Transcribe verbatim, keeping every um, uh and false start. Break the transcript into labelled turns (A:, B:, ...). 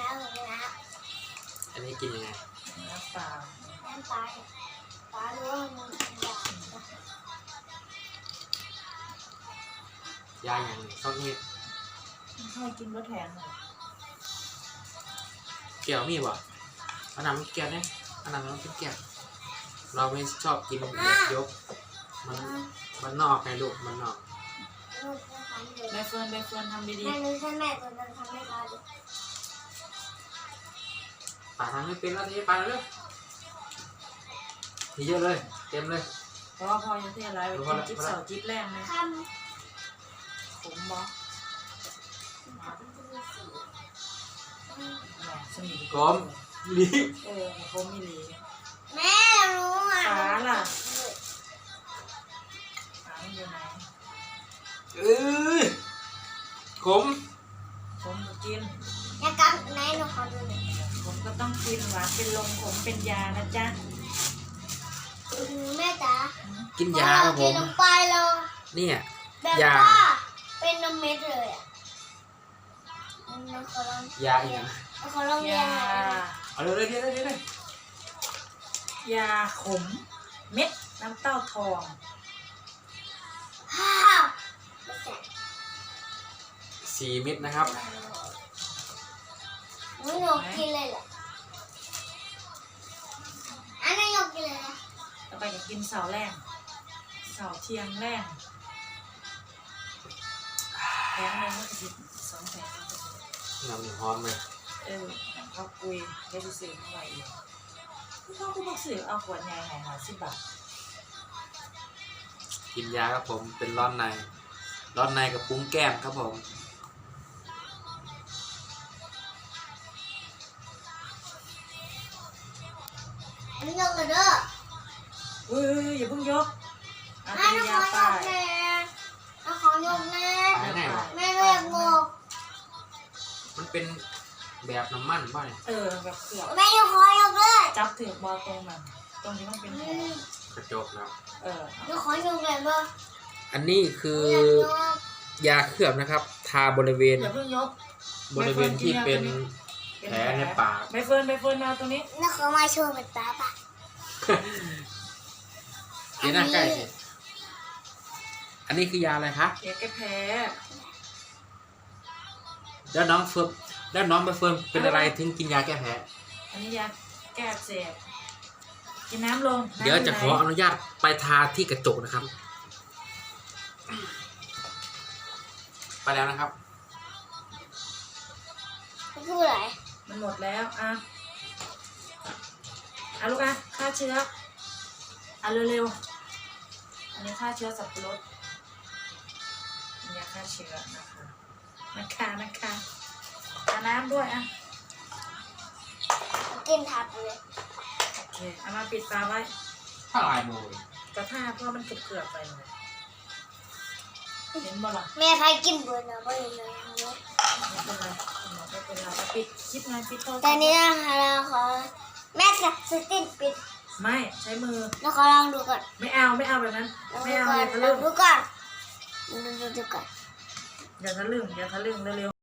A: แล้วหมดแล้ว
B: อันนี้กินยังไง
C: น้ำเปล่า
A: น้ำปลาปลารู้ว่ามันเป็นยาย
B: าอย่างนี้ต้องมี
C: ให้กินรสแทนเลย
B: เกี่ยวมีบ่อันนั้นเกี่ยวเนี่ยอันนั้นต้องกินเกี่ยวเราไม่ชอบกินแบบยกมันมันนอกไงลูกมันนอก
C: ใบเฟิร์นใบเฟิร์นทำดี
A: แม่รู้ใช่แม่ตัวนั้นทำให้ปลาดู
B: ป่าทำไม่เป็นแล้วทีป่าเร็วทีเยอะเลยเต็มเลย
C: ๆเพราะว่าพอยังเทอะไรไปกินจิ๊บเสาจิ๊บแรงเลย
A: ท
C: ขมบ่
A: ำมันจะมีสี
C: แหมสนิท
B: กลมลี
C: เออขมมีหลี
A: แม่รู้อ่ะ
C: ฟ้าล่ะฟ้ามันอยู่ไหน
B: เอ้ยขม
C: ขมก็กิน
A: อยากกับไหนหนูขอดูหน่อย
C: ขมก็ต้องกินหวานเป็นลมขมเป็นยานะจ๊ะ
A: อืมแม่จ๋า
B: กินยาครับผ
A: กิน
B: ม
A: ลงไปเลย
B: เนี่ย
A: แบบ
B: ยา
A: ว่าเป็นนมเม็ดเลยอ่ะเราขอลอง
B: ยาอีกนะ
A: เราขอลองเรีย
C: ยาน
A: หน่อย
B: เอาเร็วเลยเร็วเลยเร็วเลย
C: ยาขมเม็ดน้ำเต้าทอง
A: ฮ่าวไม่แสบ
B: สี่เม็ดนะครับ
A: หนูหนูกินเลยเหรออันนั้นหนูกินเลยนะ
C: ต่อไปก็กินเสาแรงเสาเทียงแรงแพงเลยมันก็สิสองแสน
B: น้ำหนึ่งฮ้อนเลย
C: เออเขาคุยได้ที่ซื้อมาไว้อีกเขาก็บอกซื้อเอาขวดใหญ่หายหาสิบบาท
B: กินยาครับผมเป็นร้อนในร้อนในกับปุ้งแก้มครับผม
A: อันนี้ยกเลยเด้อ
C: เฮ้ยอย่าเพิ่งยกเอา
A: อัน
C: เป็น
A: นี้ข
C: ยา
A: อย
C: ป้าก ย
A: แน่อันขอยกแน่
B: ไหนไหนวะ
A: แม่เรียกงก
B: มันเป็นแบบน้ำมันป่ะเนี่ย
C: เออแบบเกือบ
A: แม่ยกขอยกเลย
C: จับถือบอลตรงมันตรงที่มันเป็นแผล
B: กระจกแล้ว
C: เออเอา
A: ยกขอยกเลยบ่
B: อันนี้คือ
A: อยากยก
B: ยาเคลือบนะครับ ทาบริเวณ
C: อย่าเพิ่งยก
B: บริเวณที่เป็นแผลในปาก
C: ใบเฟิร์นใบเฟิร์นมาตรงนี้
A: แล้วเขามาโชว์เป็นตาปะ
B: เดี๋ยวหน้าใกล้สิอันนี้คือยาอะไรคะ
C: เดี๋ยวแกแพ้
B: แล้วน้องเฟิร์มแล้วน้องใบเฟิร์มเป็นอะไรถึงกินยาแก้แพ้
C: อันนี้ยาแก้อักเสบกินน้ำลงน้ำ
B: เดี๋ยวจะขออ
C: ไหน
B: นุญาตไปทาที่กระจกนะครับ ไปแล้วนะครับ
A: เขาพูดอะไร
C: มันหมดแล้วอ่ะอ่ะลูกอ่ะฆ่าเชื้ออ่ะเร็วๆอันนี้ฆ่าเชื้อสับปะรดยาฆ่าเชื้อนะคะนะคะนะคะอ่ะน้ำด้วยอ่ะ
A: กินทับเลย
C: โอเคเอามาปิดตาไว้
B: ถ้าลายโมย
C: กระทาเพราะมันเกือบๆไปเลยเห็นบ่ล่ะ
A: แม่ใครกินเบื่อนะบ่เห็นเลยอันนี้
C: ไม่เป็นไรไม่เป็นไรเอาปิดคลิปงานปิดโทรศัพท์
A: แต่นี้นะคะเราขอแม่จะสตินปิด
C: ไม่ใช้มือ
A: แล้วขอลองดูก่อน
C: ไม่เอาไม่เอาแบบนั้น
A: ลอง
C: ไม่
A: ดู
C: เอา
A: ก่อ
C: อน ย่าทะ
A: ล
C: ลึ่
A: อง
C: ง
A: ดูก่อนดูดูดูก่อน
C: อย่าทะลึ่งอย่าทะลึ่งเร็วๆ